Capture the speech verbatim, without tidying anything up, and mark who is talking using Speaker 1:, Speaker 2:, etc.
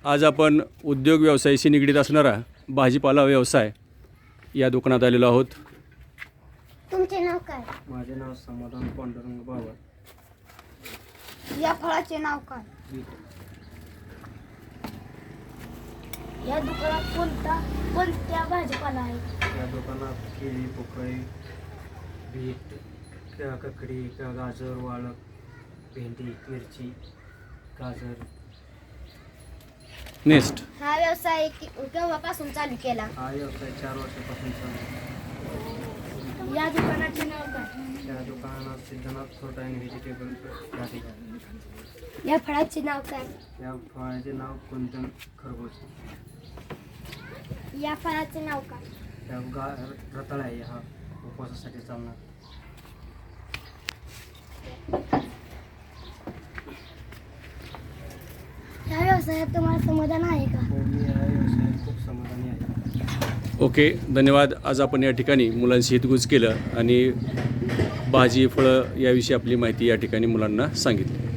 Speaker 1: आज आपण उद्योग व्यवसायाशी निगडीत असणारा भाजीपाला व्यवसाय या दुकानात आलेलो आहोत.
Speaker 2: तुमचे नाव काय?
Speaker 3: माझे नाव समाधान पांडुरंग बाबा.
Speaker 2: या फळाचे नाव काय? या दुकानात कोणता कोणत्या भाजीपाला आहे?
Speaker 3: या दुकानात केळी, पोकळी, बीट, क- ककडी, क- गाजर, वाळक, भेंडी, मिरची, गाजर.
Speaker 1: नेक्स्ट.
Speaker 2: हा व्यवसाय कि- केव्हापासून चालू केला?
Speaker 3: हा व्यवसाय चार वर्षापासून चालू आहे.
Speaker 2: या दुकानाचे नाव काय?
Speaker 3: त्या दुकानात सिद्धनाथ फ्रूट अँड व्हेजिटेबल गाडी.
Speaker 2: या फळाचे नाव काय?
Speaker 3: या फळाचे नाव कुंदन खरबूज.
Speaker 2: या फळाचे नाव काय?
Speaker 3: त्या गा रताळ आहे, हा उपवासासाठी चालणार.
Speaker 2: या व्यवसायात तुम्हाला समाधान आहे का?
Speaker 3: हो, मी या व्यवसायात खूप समाधानी आहे.
Speaker 1: ओके, धन्यवाद. आज आपण या ठिकाणी मुलांशी हितगुज केलं आणि भाजी फळं याविषयी आपली माहिती या ठिकाणी मुलांना सांगितली.